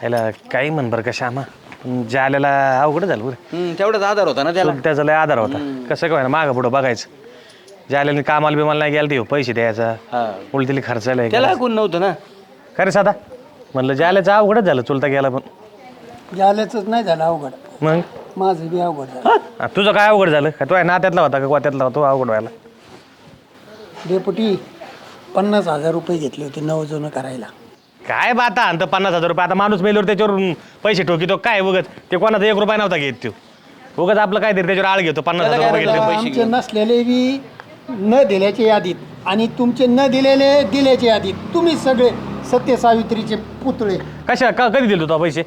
ह्याला काही म्हण बरं का श्यामा जाल्याला अवघड झालं बरं. तेवढाच आधार होता ना त्याला. त्याचा लय आधार होता. कसं काय ना मागं पुढं बघायचं. जाल्याने कामाला बिमाला नाही गेला ते पैसे द्यायचा उलटीली खर्चायला त्याला कोण नव्हतं ना. खरे साधा म्हणलं जाल्याचं अवघडच झालं चुलता गेला पण जाल्याच नाही झालं अवघड, मग माझं बी अवघड झालं. तुझं काय अवघड झालं का तो नात्यातला होता का गोत्यातला होता तो अवघड व्हायला. डेपुटी 50,000 रुपये घेतले होते नवजोनं करायला. काय बा आता आणतं 50,000 रुपये. आता माणूस मेल्यावर त्याच्यावर पैसे ठोकितो काय उगत ते कोणाचा 1 रुपया नव्हता घेत तो उगत आपलं काय तरी त्याच्यावर आळ घेतो 50,000 रुपये घेतले पैसे आमचे नसलेले बी न दिल्याच्या यादीत आणि तुमचे न दिलेले दिल्याच्या यादीत तुम्ही सगळे सत्य सावित्रीचे पुतळे. कधी दिले तो पैसे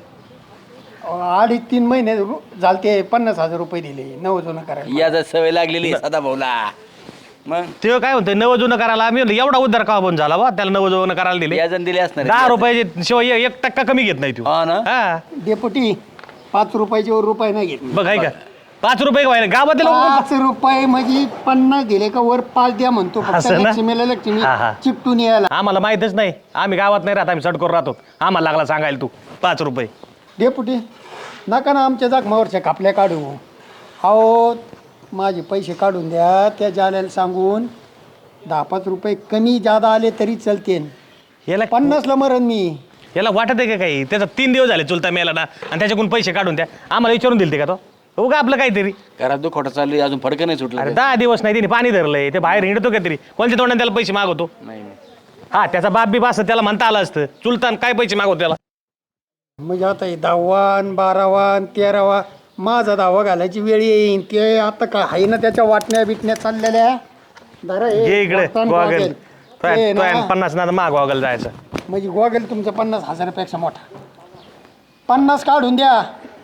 2.5-3 महिने झालते 50,000 रुपये दिले नवजोनं करायला. याचा सवय लागलेली सदा भाऊला. मग ते काय म्हणते नवं जुनं करायला आम्ही एवढा उद्धार का बंद झाला बा त्याला नवं जुनं करायला दिले याजन दिले असणार 10 रुपयाचे शिवाय 1% कमी घेत नाही तू. हा डेपुटी 5 रुपयाचे वर रुपये नाही घेतले. बघ आहे का 5 रुपये व्हायला गावातील 5 रुपये म्हणजे 50 दिले का वर 5 द्या म्हणतो फक्त. असं ना? लक्ष्मीला लक्ष्मी हा, हा. चिपटून यायला. आम्हाला माहितच नाही आम्ही गावात नाही राहत आम्ही सटकोर राहतो आम्हाला लागला सांगायला तू 5 रुपये. डेपुटी नका ना आमच्या जखमावरच्या कापल्या काढू. अहो माझे पैसे काढून द्या त्या जाल्याला सांगून 10-5 रुपये कमी जादा आले तरी चलते. याला 50ला मरण मी. याला वाटत आहे का काही त्याचा 3 दिवस झाले चुलता मेला ना आणि त्याच्याकडून पैसे काढून द्या आम्हाला विचारून दिलते का तो उगा आपलं काहीतरी. घरात तो खोटा चालू अजून फडकं नाही सुटलं. अरे 10 दिवस नाही त्याने पाणी धरलंय ते बाहेर हिंडतो का तरी कोणत्या तोंडाने त्याला पैसे मागवतो. नाही हा त्याचा बाप बी असं त्याला म्हणता आलं असतं चुलतान काय पैसे मागवतो त्याला. म्हणजे आता हे 10वा 12वा 13वा माझा 10वा घालायची वेळ येईन. ते आता काय आहे ना त्याच्या वाटण्या बिटण्या चाललेल्या. जरा हे ये इकडे वस्तान गोगल गोगल. ते ना, 50 ना माग गोगल जायचं. म्हणजे गोगल तुमचा 50,000 पेक्षा मोठा. 50 काढून द्या.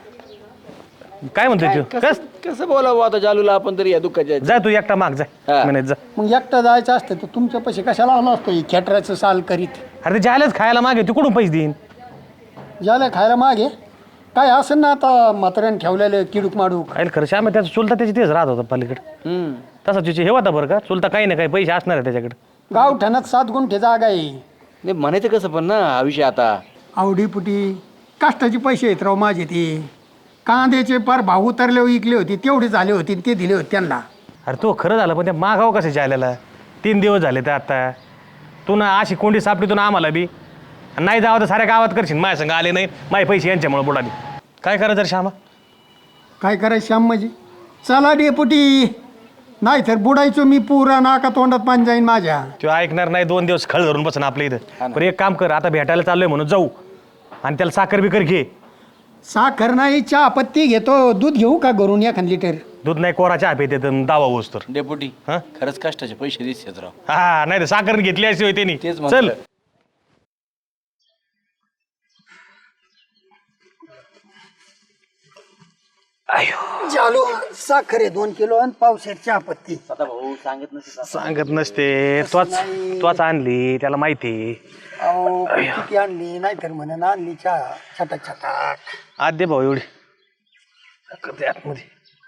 काय म्हणतो तू कसं बोलावं आता जालूला आपण तरी या दुःखाच्या जा तू एकटा माग जा हा. म्हणे जा. मग एकटं जायचं असतं तर तुमच्या पैसे कशाला आला असतो खेटराचं साल करीत. अरे ते जायलाच खायला मागे तू कुठून पैसे देईन. ज्याला खायला मागे काय असेल ना आता म्हाताऱ्याने ठेवलेलं किडूक माडूक. काय खरं श्याम त्याचा चुलता त्याची तेच राहत होता पलीकडे तसा तुझे हे होता बरं का चुलता काही ना काही पैसे असणार आहे त्याच्याकडे. गावठाणात 7 गुंठे जागा आहे. नाही म्हणायचं कसं पण ना हा विषय आता आवडीपुटी कष्टाचे पैसे आहेत राव माझे. ते कांद्याचे पार भाव उतरले विकले होते तेवढे झाले होते ते दिले होते त्यांना. अरे तो खरं झालं पण ते मागावं कसं जायला 3 दिवस झाले तर आता तू ना अशी कोंडी सापडी तू ना आम्हाला बी नाही जावं तर साऱ्या गावात करशील माझ्या संग आले नाही माझे पैसे यांच्यामुळे बुडाली. काय करायचं रे श्यामा. काय करायचं श्याम म्हणजे चला डेपुटी नाही तर बुडायचो मी पुरा नाका तोंडात पाणी जाईन माझ्या. तो ऐकणार नाही 2 दिवस खळ धरून बसन आपल्या इथं. पण एक काम कर आता भेटायला चाललोय म्हणून जाऊ आणि त्याला साखर बिकर घे. साखर नाही चहा पत्ती घेतो. दूध घेऊ का घरून 1 लिटर. दूध नाही कोरा चहा पिते दावा होस तर. डेपुटी हा? खरंच कष्टाचे पैसे दिसतात राव. हा नाही तर साखर घेतली अशी होती त्यांनी. तेच चल म्हणलं. चालू साखर आहे 2 किलो आणि पावशेर चहा पत्ती. सदा भाऊ सांगत नसते. सांगत नसते त्वच आणली त्याला माहिती. अहो किती आणली नाही तर म्हणून आणली चहा छटाक छटाक. आद्य भाऊ एवढी करते आतमध्ये.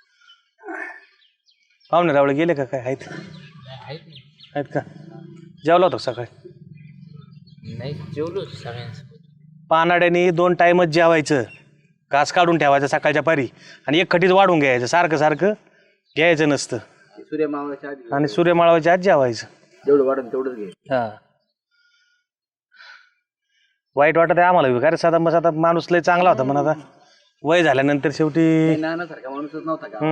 पाहुणे रावळे गेले का काय आहेत का जेवला होता सकाळी. नाही जेवलो सगळ्यांसोबत. पानाड्याने 2 टाइमच जेवायचं. घास काढून ठेवायचं सकाळच्या पारी आणि एक खटीच वाढून घ्यायचं सारखं सारखं घ्यायचं नसतं. सूर्य मावळाच्या आधी आणि सूर्यमाळाच्या आत जेवायचं. जेवढं वाढून तेवढंच घे. हा वाईट वाटत आहे आम्हाला कारण साधा मग आता माणूस लय चांगला होता पण आता वय झाल्यानंतर शेवटी नानासारखा माणूसच नव्हता का.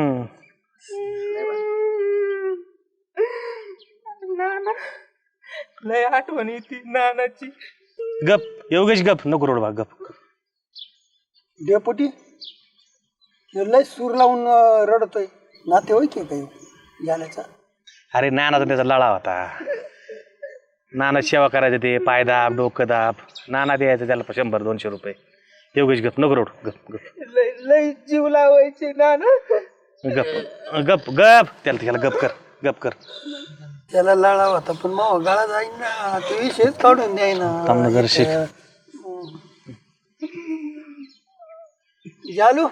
लय आठवण येते नानाची. गप योगेश गप नको रोड भाग गप. डेपुटी लय सूर लावून रडतोय. नाते होय की काही झाल्याचा. अरे नानाचा त्याचा लळा होता. नाना सेवा करायचं ते पाय दाब डोकं दाब नाना द्यायचं त्याला 100-200 रुपये. योगेश गप नको रोड गप गप लय जीव लावायचे नाना. गप गप गप त्याला गप कर. त्याला लळा होता पण मग गळा जाईन ना. ते विषयच काढून द्याय ना. थांबनगर शिक. जालू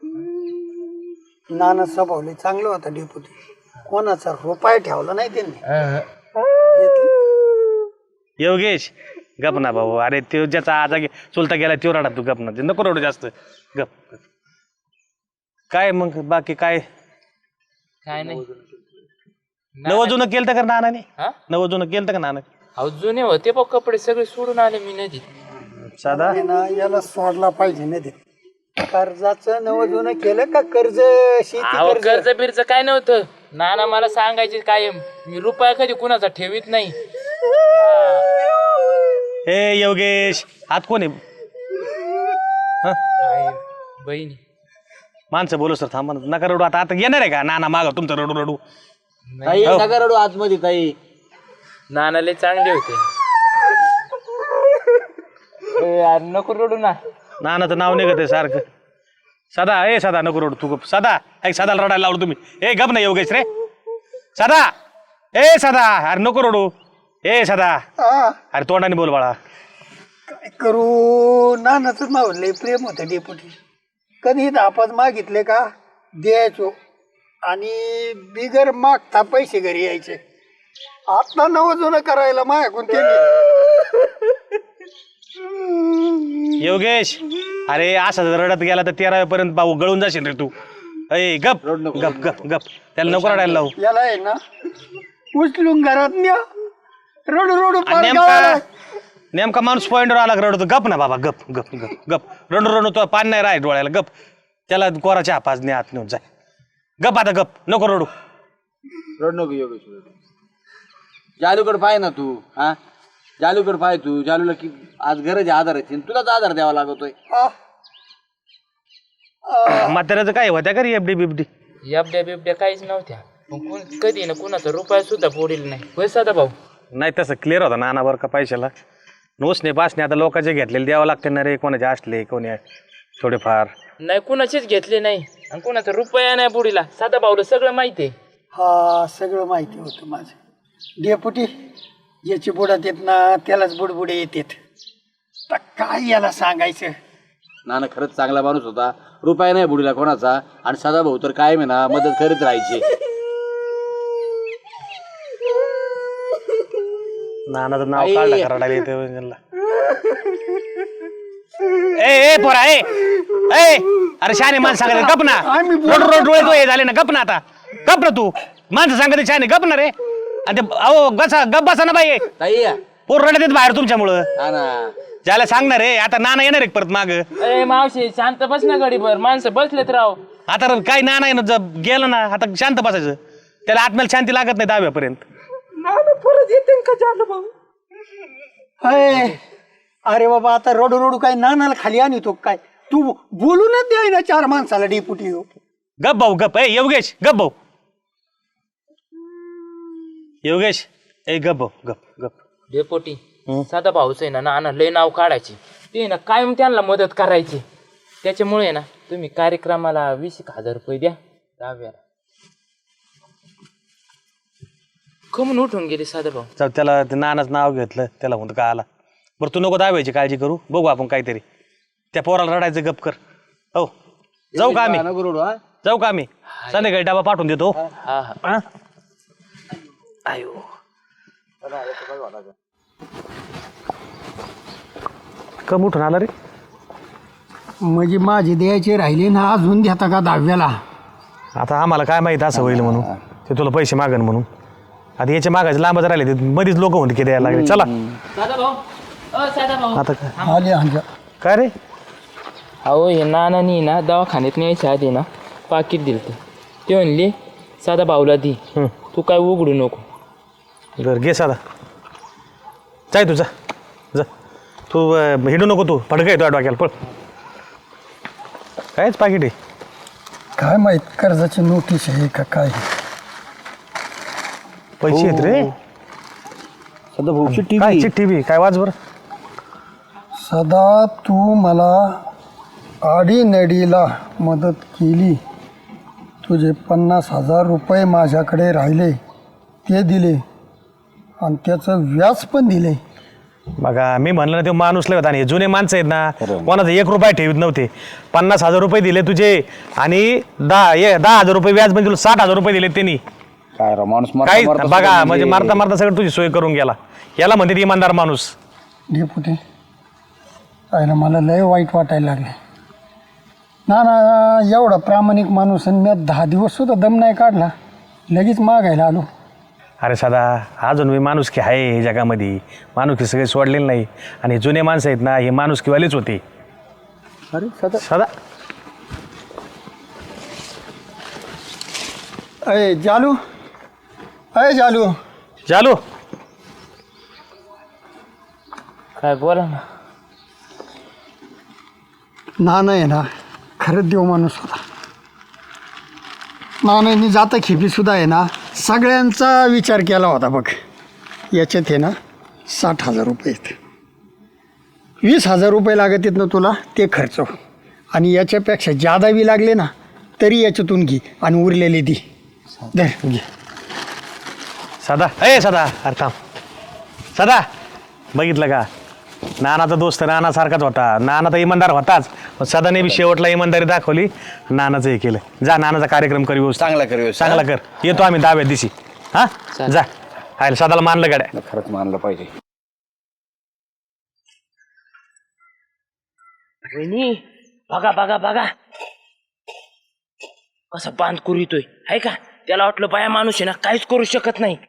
नाना स्वभावले चांगलं होता डेपुटी. कोणाचा रुपया ठेवला नाही त्यांनी. योगेश गप ना भाऊ, अरे तो ज्याचा आजा चुलता गेला तो रडा, तू गप ना, ते नको रडू जास्त. गप गप. काय मग बाकी काय काय नाही. नवजुनं केलं तर का नानाने? हा? नवजुनं केलं का नाना? अहो जुने होते बघ कपडे सगळे सोडून आले मी नदीत. साधा हे ना याला सोडला पाहिजे ना ते कर्जाचं नवजून केलं का कर्ज शेती अहो कर्ज कर्ज बिर्ज काय नव्हतं. नाना मला सांगायचे कायम, मी रुपया कधी कुणाचा ठेवीत नाही. हे योगेश, हात कोण आहे? हं? आहे, बहिणी. माणसं बोलू सर, थांबा ना. नका रडू. आता आता येणार आहे का नाना माग तुमचं रडू रडू? ताई नका रडू आतमध्ये ताई. नाना लय चांगले होते. यार नको रडू ना. नानाचं नाव निघत आहे सारखं. सदा, ए सदा नको रडू तू गप. सदा, ऐक सदाला रडायला लावलं तुम्ही. ए गप नाही योगेश रे. सदा, ए सदा, अरे नको रडू. ए सदा, हा, अरे तोंडाने बोल बाळा. काय करू नानाचं नाव लय प्रेम होतं डेपुटी. कधी दापात मागितले का द्यायचो आणि बिगर मागता पैसे घरी यायचे. आता नवजून करायला माझ्याकडून त्यांनी. योगेश, अरे असं जर रडत गेला तर 13 पर्यंत पाहू गळून जाशील रे तू. ए गप गप गप गप. त्याला नको रडायला लावू. याला आहे ना उचलून घरात न्या. रडू रडू आणि पार गावाला. नेमका माणूस पॉइंटवर आला का रडतो. गप ना बाबा, गप गप गप गप. रडू रडू तो पाणी नाही राय डोळ्याला. गप. त्याला कोराच्या हापाजने आत नेऊन जाय. गप आता गप, नको रडू. रड नको योगेश. जालूकडे पाय ना तू. हा जालूकडे पाय तू. जालूला की आज गरज आहे आधाराची, तुलाच आधार द्यावा लागतोय. म्हाताऱ्याचं काय होत्या का रे एफडी बिबडी? एफड्या बिबड्या काहीच नव्हत्या. पण कधी ना कुणाचा रुपया सुद्धा फोडील नाही. होय सदा भाऊ? नाही तसं क्लिअर होता नाना बरं का पैशाला. नोसने पासने आता लोकांचे घेतलेले द्यावं लागते ना रे. कोणाचे असले कोणी थोडेफार. नाही कुणाचेच घेतले नाही आणि कुणाचा रुपया नाही बुडीला. साधा भाऊला सगळं माहिती आहे. हा सगळं माहिती होतं माझं. डेपुटी याची बुडात येत ना त्यालाच बुडबुडे येतात. तर काय याला सांगायचं. नाना खरंच चांगला माणूस होता. रुपया नाही बुडीला कोणाचा. आणि सदा भाऊ तर कायम आहे ना मदत करीत राहायची. नानाचं नाव काढलं का रडायला येते. ए पोरा ए ए, अरे शाने माणसं सांगायचं गप ना. रोड रोड डोळे तो हे झाले ना. गप ना आता. गप ना तू. माणसं सांगते शाने गप ना रे. आणि ते अहो गसा गप बसा ना बाई. ताई पोर रडत येत बाहेर तुमच्यामुळं. हा ना. ज्याला सांगणार रे आता नाना येणार आहे परत माग. ए मावशी शांत बस ना गडीभर. माणसं बसलेत राव. आता काही नाना आहे ना जर गेलं ना आता शांत बसायचं. त्याला आत्म्याला शांती लागत नाही दहाव्यापर्यंत. परत येते का झालं भाऊ. अरे बाबा आता रडू रडू काय नानाला खाली आणतो काय. तू बोलूनच द्याय ना 4 माणसाला डेपुटी. गप भाऊ गप. ए योगेश गप भाऊ. योगेश ए गप भाऊ गप गप. डेपोटी साधा भाऊच आहे ना नाना लय नाव काढायचे. ते ना कायम त्यांना मदत करायची. त्याच्यामुळे ना तुम्ही कार्यक्रमाला 20,000 रुपये द्या. दहाव्याला कमून उठून गेले साधा भाऊ. जाऊ त्याला ते नानाचं नाव घेतलं त्याला म्हणतो का आला. बरं तू नको दाबायची काळजी करू. बघू आपण काहीतरी. त्या पोराला रडायचं गप कर. हो जाऊ का आम्ही? नको रडू. हा जाऊ का आम्ही? संध्याकाळी डबा पाठवून देतो. हा हा. आयो कम उठून आला रे. म्हणजे माझे द्यायचे राहिले ना अजून देता का 10व्याला. आता आम्हाला काय माहित असं होईल म्हणून. ते तुला पैसे मागन म्हणून. आता याचे मागायचे लांबच राहिले ते मध्येच लोक म्हणते की द्यायला लागले. चला साधा भाऊ. साधा भाऊ. आता काय आले आमच्या. काय रे? अहो हे नानानी ना दवाखान्यात न्यायच्या आधी ना पाकिट दिलं. ते म्हणले साधा भाऊला दी. तू काय उघडू नको. बरं घे साधा. जाय तू जा जा. तू हिंडू नको. तू फडका येतो डोक्याला पळ. कायच पाकिट आहे. काय माहित कर्जाची नोटीस आहे का काय. पैसे आहेत रे. सदा भाऊ काय चिठ्ठी बी काय वाच बरं. सदा तू मला आडीनडीला मदत केली. तुझे 50,000 रुपये माझ्याकडे राहिले ते दिले आणि त्याचं व्याज पण दिले. बघा मी म्हणलं ना ते माणूस लय होता. आणि जुने माणसं आहेत ना कोणाचा 1 रुपया ठेवीत नव्हते. 50,000 रुपये दिले तुझे आणि 10,000 रुपये व्याज म्हणजे तुला 60,000 रुपये दिले त्यांनी. काय माणूस काही बघा म्हणजे मारता मारता सगळं तुझी सोय करून गेला. याला म्हणते इमानदार माणूस. डेपुटी पाहिलं मला लय वाईट वाटायला लागले. ना एवढा प्रामाणिक माणूस आणि मी 10 दिवससुद्धा दम नाही काढला, लगेच मागायला आलो. अरे सदा, अजून मी माणुसकी आहे हे जगामध्ये. माणुसकी सगळे सोडलेली नाही. आणि हे जुने माणसं आहेत ना, हे माणुसकीवालेच होते. अरे सदा सदा अय जालू, चालू. काय बोला ना. नाना आहे ना खरंच देव माणूस होता. नानांनी जाता खेपीसुद्धा आहे ना सगळ्यांचा विचार केला होता बघ. याच्यात आहे ना 60,000 रुपये आहेत. 20,000 रुपये लागत आहेत ना तुला, ते खर्च. आणि याच्यापेक्षा जादा बी लागले ना तरी याच्यातून घे आणि उरलेले दे. दे घे. सदा, सदा, अरे थांब. सदा, बघितलं का, नानाचा दोस्त नानासारखाच होता. नाना तर इमानदार होताच, पण सदाने बी शेवटला इमानदारी दाखवली. नानाचं हे केलं. जा नानाचा कार्यक्रम कर व्यवस्थित. चांगला कर व्यवस्थित. चांगला कर. येतो आम्ही 10व्या दिवशी. हा जा. आयला सदाला मानलं गाड्या. खरंच मानलं पाहिजे. वहिनी बघा बघा बघा कसा बांध करीतोय आहे का. त्याला वाटलं बाया माणूस आहे ना काहीच करू शकत नाही.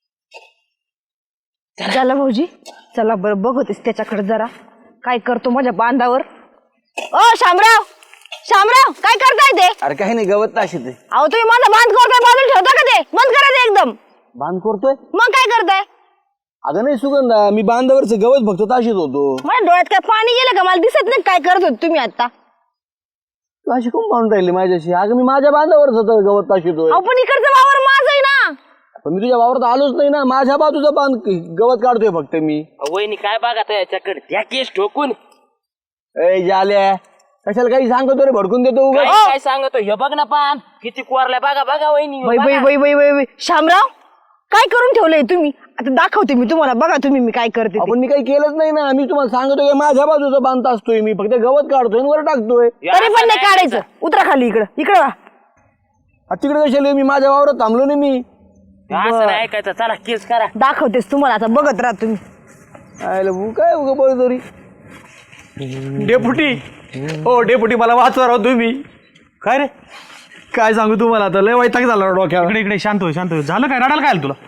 झालं भाऊजी, चला बरं बघतेस त्याच्याकडे जरा काय करतो माझ्या बांधावर. ओ शामराव, काय करताय ते? अरे काही नाही, गवत ताशी ते अहो तुम्ही माझा बांध करताय, बांधून ठेवता का ते? बंद करा ते एकदम. बांध करतोय. मग काय करताय? अगं नाही सुगंधा, मी बांधावरचं गवत फक्त ताशीत होतो. माझ्या डोळ्यात काय पाणी गेलं का? मला दिसत नाही काय करत होते तुम्ही आता. तू अशी कोण पाहून राहिली माझ्याशी? अगं मी माझ्या बांधावरच होतो, गवत ताशीतोय. अहो पण इकडचं वावर माझं आहे ना. पण मी तुझ्या वावरात आलोच नाही ना. माझ्या बाजूचा बांध गवत काढतोय फक्त मी. वहिनी काय बघा त्याच्याकडे त्या केस ठोकून. ए जाल्या, कशाला काही सांगतो रे, भडकून देतो उगाच. काय सांगतो हे बघ ना पान किती कोरलाय. बघा बघा वहिनी वै बघा. वै वै वै वै वै. शामराव काय करून ठेवलंय तुम्ही? आता दाखवते मी तुम्हाला, बघा तुम्ही मी काय करते ते. आपण मी काही केलंच नाही ना. मी तुम्हाला सांगतोय की माझ्या बाजूचा बांध असतोय, मी फक्त गवत काढतोय आणि वर टाकतोय. तरी पण नाही काढायचं. उतरा खाली, इकडं वा. तिकडे कशाला? मी माझ्या वावरात थांबलो नाही मी. असं नाही ऐकायचं. चला केस करा. दाखवतेस तुम्हाला, आता बघत राहा तुम्ही. आयला भू काय उगा बोलतोरी. डेपुटी, ओ डेपुटी, मला वाचवा राव तुम्ही. काय रे, काय सांगू तुम्हाला, आता लय वैताग झाला डोक्यावर. इकडे शांत हो, शांत हो. झालं काय, रडायला काय आलं तुला?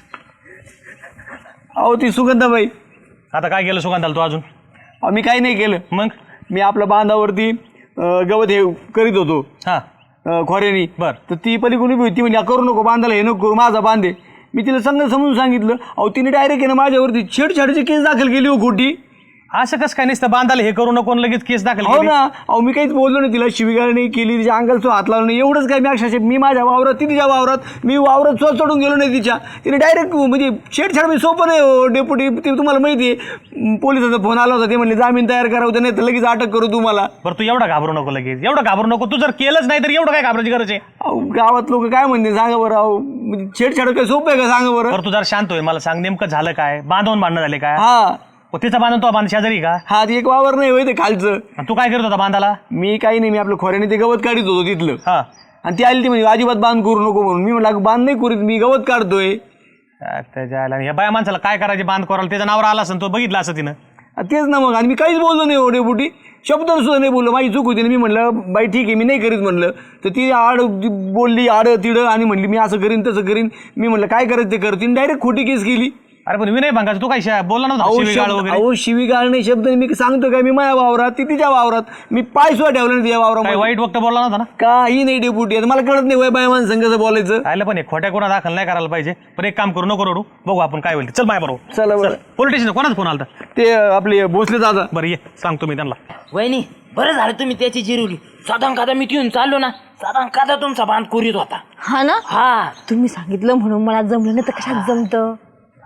अहो ती सुगंधाबाई. आता काय केलं सुगंधाला तू अजून? अहो मी काही नाही केलं. मग मी आपल्या बांधावरती गवत हे करीत होतो हा खोऱ्यानी. बर. तर ती पलीकडून होती, म्हणजे करू नको बांधायला, हे नको करू, माझा बांधे. मी तिला समजून सांगितलं. अहो तिने डायरेक्ट आहे ना माझ्यावरती छेडछाडची केस दाखल केली हो खोटी. असं कसं काय नसतं, बांधायला हे करू नको लगेच केस दाखल हो केली? ना. अहो मी काहीच बोललो नाही तिला, शिवीगाळ नाही केली, तिच्या अंगाला हात लावला नाही, एवढंच काय. मी अक्षरशः मी माझ्या वावरात, ती तिच्या वावरात, मी वावरात स्वतः चढून गेलो नाही तिच्या. तिने डायरेक्ट म्हणजे छेडछाड म्हणजे सोपं नाही हो डेपुटी. ते तुम्हाला माहिती आहे, पोलिसाचा फोन आला होता, ते म्हणले जामीन तयार करा होता, नाही तर लगेच अटक करू तुम्हाला. बरं तू एवढं घाबरू नको लगेच, एवढं घाबरू नको. तू जर केलंच नाही तर एवढं काय घाबरायची गरज आहे? अहो गावात लोक काय म्हणते सांगा बरं. अहो म्हणजे छेडछाड काय सोपं आहे का सांगा बरं. बरं तू जर शांत होय, मला सांग नेमकं झालं काय? बांधवून भांडणं झाले काय? हा तिचा बांधून तो बांध शेजारी का? हा ती एक वावर नाही होय ते खालचं. आणि तू काय करत होता बांधाला? मी काही नाही, मी आपल्या खोऱ्याने ते गवत काढत होतो तिथलं. हा आणि ती आली ती म्हणजे अजिबात बांध करू नको म्हणून. मी म्हटलं बांध नाही करीत, मी गवत काढतोय. त्याच्या ह्या बाया माणसाला काय करायचे बांध करायला? त्याच्या नावावर आला असं तो बघितला असं तिनं. तेच ना मग. आणि मी काहीच बोललो नाही एवढे बुटी, शब्द सुद्धा नाही बोललो. माझी चूक होती ना. मी म्हटलं बाई ठीक आहे, मी नाही करीत म्हणलं. तर ती बोलली आड तिडं आणि म्हणली मी असं करीन तसं करीन. मी म्हटलं काय करायचं ते कर. तिने डायरेक्ट खोटी केस केली. अरे पण विनय भांगाचं तू काय बोलला नव्हता शिवीगाळ वगैरे? अहो शिवीगाळ नाही शब्द नाही. मी सांगतो काय, मी माझ्या वावरात, ती तिच्या वावरात, मी पाय सुद्धा ठेवला नाही तिच्या काय वावरात. वाईट वक्त बोलला नव्हता ना? काही नाही डेपुटी. आता मला कळत नाही वय बाय माणसं कसं बोलायचं. आयला पण खोट्या कोणा दाखल नाही करायला पाहिजे. पण एक काम करू नको रडू, बघू आपण काय होईल. चल माझ्या बरोबर. चला बरं. पोलीस स्टेशन कोणाचा फोन आला? ते आपले भोसले दादा. बरं ये सांगतो मी त्यांना. वहिनी बरं झालं तुम्ही त्याची जिरवली. साधारण कादा मी घेऊन चाललो ना, साधारण कादा तुमचा बांध करीत होता. हा ना. हा तुम्ही सांगितलं म्हणून मला जमलं नाही तर कशात जमतं.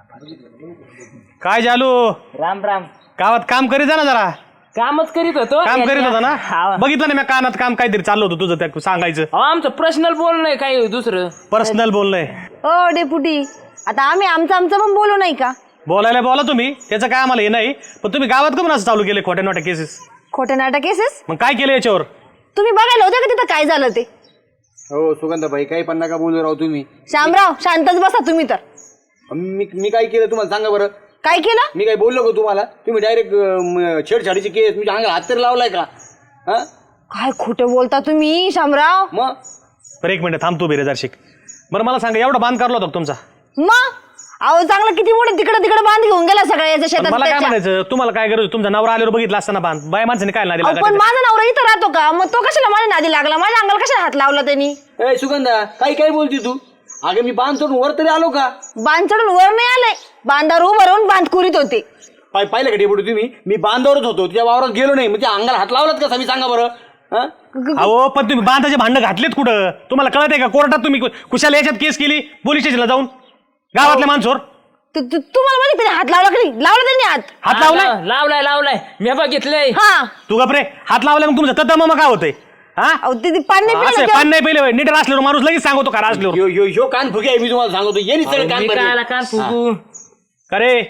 काय चालू? राम राम. गावात काम करीत जा ना जरा. कामच करीत होतो. काम करीत होता ना? हा. बघितलं ना मी कानात काम काहीतरी चाललं होतं तुझं, त्या सांगायचं. अहो, आमचं पर्सनल बोलणं आहे काय दुसरं. पर्सनल बोलणंय. ओ डेपुटी, आता आम्ही आमचं पण बोलू नाही का? बोलायला बोला तुम्ही, त्याचं काय आम्हाला हे नाही. पण तुम्ही गावात का असं चालू केले खोट्या नोट्या केसेस? खोटे नाटक केसेस मग काय केलं याच्यावर? तुम्ही बघायला होते का तिथं काय झालं ते? हो सुगंधाबाई काही पण नका बोलू राव तुम्ही. शामराव शांतच बसा तुम्ही तर. मी काय केलं तुम्हाला सांगा बरं. काय केलं? मी काय बोललो का तुम्हाला? तुम्ही डायरेक्ट छेडछाडीची केस म्हणजे अंगाला हात तरी लावलाय का? हा काय खोटं बोलता तुम्ही शामराव? मग बरं एक मिनिट थांबतो बेरेदार शिक. बरं मला सांगा एवढा बांध करला होता का तुमचा? मग अहो चांगलं किती मोठे तिकडे तिकडे बांध घेऊन गेला सगळ्या याच्या पण शेतात मला काय त्याच्या. म्हणायचं तुमहाला काय गरज होती? तुमचा नवरा आल्यावर बघितला असताना बांध बाय माणसाने काय नादी अहो, पण लागायचं? माझा नवरा इथं राहतो का? मग तो कशाला माझ्या नादी लागला? माझ्या अंगाला कशाला हात लावला त्यांनी? ए सुगंधा काही काय बोलती तू? अगं मी बांध सोडून वर तरी आलो का? बांध चढून वर नाही आले, बांधावर उभं राहून बांध कुरीत होते. पाहिलं का डेपुटी तुम्ही? मी बांधावरच होतो, तुझ्या वावरात गेलो नाही. म्हणजे अंगाला हात लावलात कसा मी सांगा बरं? हा अहो पण तुम्ही बांधाचे भांडणं घातलेत कुठं? तुम्हाला कळत आहे का? कोर्टात तुम्ही कुशाला याच्यात केस केली पोलीस स्टेशनला जाऊन गावातल्या माणसावर तुम्हाला माहिती त्याने हात लावला की नाही? लावला त्यांनी हात. हात लावलाय? लावलाय मी बघितलंय. हा तू गपरे हात लावलाय मग तुमचं तत्ता मग काय होतंय? हा अहो ते पाणी नाही असं पिलं पान नाही पहिले नीट असल्यावर माणूस लगेच सांगतो का असल्यावर यो यो यो कान फुगे आहे मी तुम्हाला सांगतो. ये सगळे कान मी भरले. कायला कान फुगू? का रे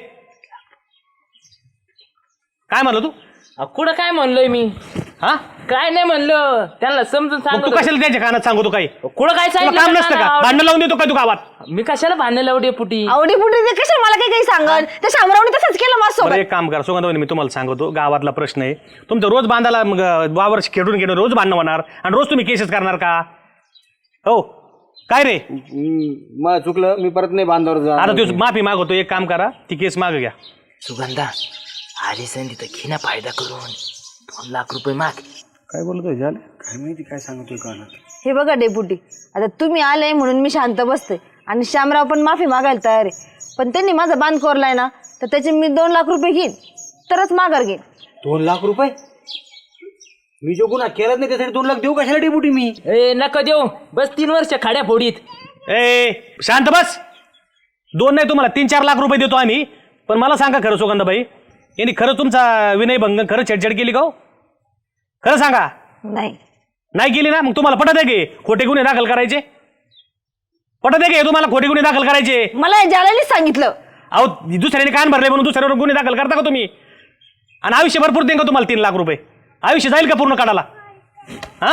काय म्हणलं तू? कुठं काय म्हणलोय मी? हा काय नाही म्हणलं, त्यांना समजून मग तू सांगतो. कशाला त्यांच्या कानात सांगतो काही? कुठं काय तुला सांगितलं काम नसतं का? त्यांना? भांडण लावून देतो काय तू गावात? मी कशाला भांडण लावडे पुटी? आवडी पुढे ते कशाला मला काही काही सांगन? त्या शामरावने तसंच केलं बरं माझ्यासोबत. एक काम करा सुगंधवनी मी तुम्हाला सांगतो गावातला प्रश्न आहे तुमचं रोज बांधायला मग वावर खेळून घेणं रोज भांडणं होणार आणि रोज तुम्ही केसेस करणार का? हो काय रे मला चुकलं, मी परत नाही बांधावर जा. आता तू माफी मागवतो एक काम करा ती केस माग घ्या. सुगंधा आली संधी तर घे ना फायदा करून 2 लाख रुपये माग. काय बोलतोय झालं काय माहिती काय सांगतोय कानात. हे बघा डेपुटी, आता तुम्ही आले म्हणून मी शांत बसते आणि शामराव पण माफी मागायला तयार आहे. पण त्यांनी माझा बांध कोरलाय ना तर त्याचे मी 2 लाख रुपये घेईन तरच माघार घेईन. 2 लाख रुपये? मी जो गुन्हा केलाच नाही त्यासाठी 2 लाख देऊ कशाला डेपुटी मी? ए नका देऊ, बस 3 वर्ष खाड्या फोडीत. ए शांत बस 2 नाही तुम्हाला 3-4 लाख रुपये देतो आम्ही. पण मला सांगा खरं सुगंधाबाई यांनी खरं तुमचा विनयभंग खरं छेडछाड केली का हो? खरं सांगा. नाही केली ना मग तुम्हाला पटत आहे की खोटे गुन्हे दाखल करायचे? पटत आहे की तुम्हाला खोटे गुन्हे दाखल करायचे? मला जालानीच सांगितलं. अहो दुसऱ्याने कान भरले म्हणून दुसऱ्यावर गुन्हे दाखल करता का तुम्ही? आणि आयुष्य भरपूर देईन का तुम्हाला 3 लाख रुपये? आयुष्य जाईल का पूर्ण काढायला? हा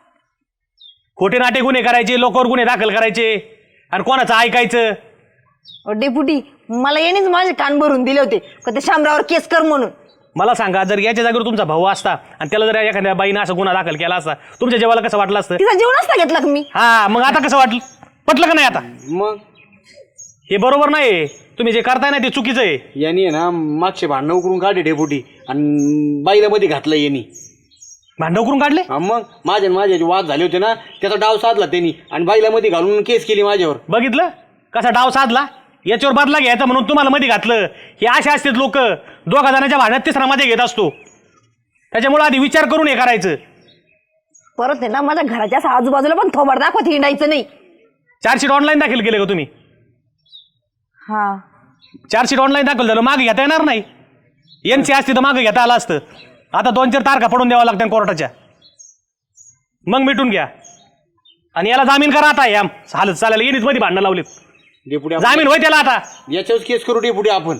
खोटे नाटे गुन्हे करायचे लोकांवर गुन्हे दाखल करायचे आणि कोणाचं ऐकायचं? डेपुटी मला यांनीच माझे कान भरून दिले होते का ते शामरावर केस कर म्हणून. मला सांगा जर याच्या जागेवर तुमचा भाऊ असता आणि त्याला जर एखाद्या बाईनं असं गुन्हा दाखल केला असता तुमच्या जेवाला कसं वाटलं असतं? तिचा जीव नसता घेतला का मी? हा मग आता कसं वाटलं? पटलं का नाही आता? मग हे बरोबर नाही. तुम्ही जे करताय ना ते चुकीचं आहे. यांनी आहे ना मागचे भांडणं उकरून काढले डेपुटी आणि बाईला मध्ये घातलं यांनी. भांडण करून काढले? हा मग माझे वाद झाले होते ना त्याचा डाव साधला त्यांनी आणि बाईला मध्ये घालून केस केली माझ्यावर. बघितलं कसा डाव साधला? याच्यावर बदला घ्यायचा म्हणून तुम्हाला मध्ये घातलं. हे असे असतात लोक 2 जणांच्या भांडणात 3रा मध्ये घेत असतो. त्याच्यामुळे आधी विचार करून हे करायचं. परत आहे ना माझ्या घराच्या असं आजूबाजूला पण थोबाड दाखवत हिंडायचं नाही. चार्जशीट ऑनलाईन दाखल केले का तुम्ही? हा चार्जशीट ऑनलाईन दाखल झालं मागे घेता येणार नाही. एनसी असती तर मागे घेता आलं असतं. आता 2-4 तारखा पडून द्यावा लागतात कोर्टाच्या. मग मिटून घ्या आणि याला जामीन करा आता. या हालत चालायला येणीच मध्ये भांडणं लावलीत. डेपुटी जामीन होय त्याला आता. याच्यावर केस करू डेपुटी आपण.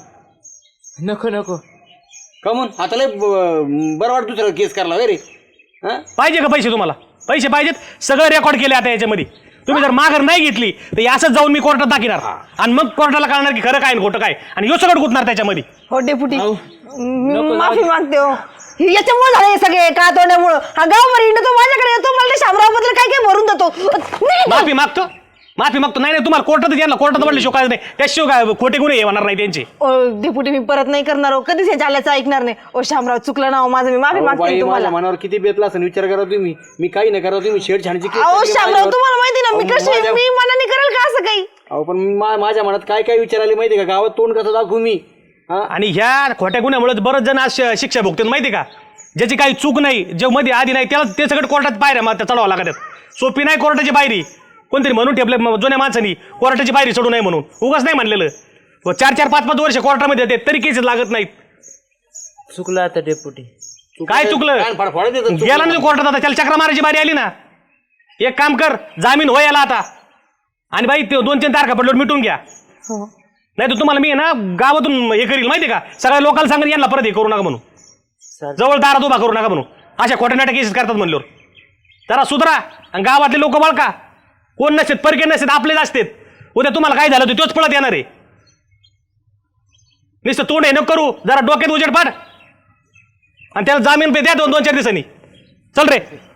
नको का म्हणून आता लय बरं वाटत दुसरा केस करायला रे. हा पाहिजे का पैसे तुम्हाला? पैसे पाहिजेत. सगळं रेकॉर्ड केले आता याच्यामध्ये. तुम्ही जर माघार नाही घेतली तर असंच जाऊन मी कोर्टात दाखिणार आणि मग कोर्टाला कळणार की खरं काय आणि खोटं काय आणि यो सगळं गुतणार त्याच्यामध्ये. हो डेपुटी मी माफी मागते हो. याच्यामुळे झाले हे सगळे का तोंडामुळं. हा गावभर हिंडतो माझ्याकडे येतो मला ते शामरावबद्दल काय काय भरून देतो. माफी मागतो नाही तुम्हाला कोर्टात द्यायला कोर्टात म्हटलं शिवाय नाही त्याशिवाय काय खोटे गुन्हे होणार नाही त्यांचे. ओ डेपुटी मी परत नाही करणार हो. कधीच हे चालायचं ऐकणार नाही. ओ शामराव चुकलं ना हो माझं. मी माफी मागते बाई तुम्हाला. माझ्या मनावर किती बेतला असं विचार करा तुम्ही. मी काही नाही करा तुम्ही छेडछाडची केस अहो केली शामराव माझ्यावर. तुम्हाला माहिती ना मी कशी माझ्या- मी मनाने करेल का असं काही? अहो पण माझ्या मनात काय काय विचार आले माहिती का? गावात तोंड कसं दाखवू मी? हा आणि ह्या खोट्या गुन्ह्यामुळे बरेच जण आज शिक्षा भोगतात माहिती का? ज्याची काही चूक नाही जे मध्ये आधी नाही त्याला ते सगळं कोर्टात पायऱ्या मग चढवावं लागतात. सोपी नाही कोर्टाची पायरी. कोणतरी म्हणून ठेपले जुन्या माणसांनी कोर्टाची पायरी चढू नये म्हणून. उगाच नाही म्हणलेलं. 4-4, 5-5 वर्ष कोर्टामध्ये येते तरी केसेस लागत नाहीत. चुकलं आता डेपुटी. काय चुकलं? कान फाडफाडत येतात. गेला ना कोर्टात आता त्याला चक्रा मारायची बारी आली ना. एक काम कर जामीन हो याला आता आणि बाई ते 2-3 तारखा पडल्यावर मिटून घ्या. नाही तर तुम्हाला मी आहे ना गावातून हे करील माहिती का? सगळ्या लोकांना सांगेल यांना परत हे करू नका म्हणून. जवळ दारात उभा करू नका म्हणून. अशा खोट्या नाट्या केसेस करतात म्हणल्यावर जरा सुधरा. आणि गावातले लोक बळका कोण नसतात परके नसतात आपलेच असतात. उद्या तुम्हाला काय झालं तोच पळत येणार आहे. नुसतं तोंड हे नको करू, जरा डोक्यात उजेड पाड आणि त्याला जामीन पे द्या 2-4 दिवसांनी. चल रे.